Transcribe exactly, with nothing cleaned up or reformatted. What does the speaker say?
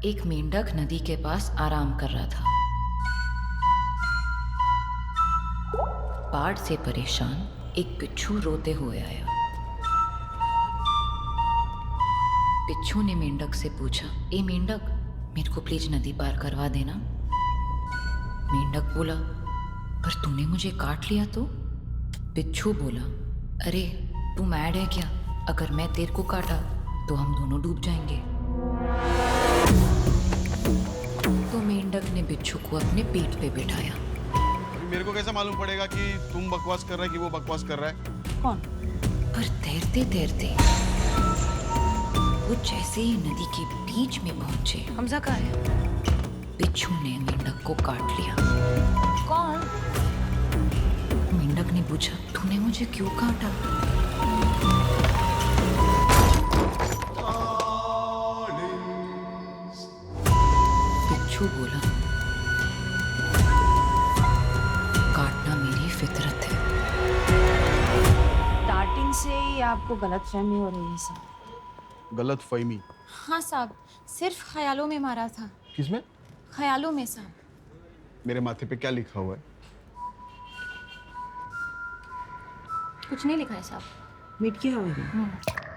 एक मेंढक नदी के पास आराम कर रहा था। बाढ़ से परेशान एक बिच्छू रोते हुए आया। बिच्छू ने मेंढक से पूछा, ए मेंढक, मेरे को प्लीज नदी पार करवा देना। मेंढक बोला, पर तूने मुझे काट लिया तो? बिच्छू बोला, अरे तू मैड है क्या? अगर मैं तेरे को काटा तो हम दोनों डूब जाएंगे। तो मेंढक ने बिच्छू को अपने पीठ पे बिठाया। मेरे को कैसे मालूम पड़ेगा कि तुम बकवास कर रहा है कि वो बकवास कर रहा है? कौन? पर तैरते तैरते वो जैसे ही नदी के बीच में पहुंचे, हमजा कहाँ है? बिच्छू ने मेंढक को काट लिया। कौन? मेंढक ने पूछा, तूने मुझे क्यों काटा? बिच्छू बोला, काटना मेरी फितरत है। स्टार्टिंग से ही आपको गलतफहमी हो रही है साहब। गलत फहमी? हाँ साहब, सिर्फ ख्यालों में मारा था। किसमें? ख्यालों में साहब। मेरे माथे पे क्या लिखा हुआ है? कुछ नहीं लिखा है साहब। मीट किया हुआ है।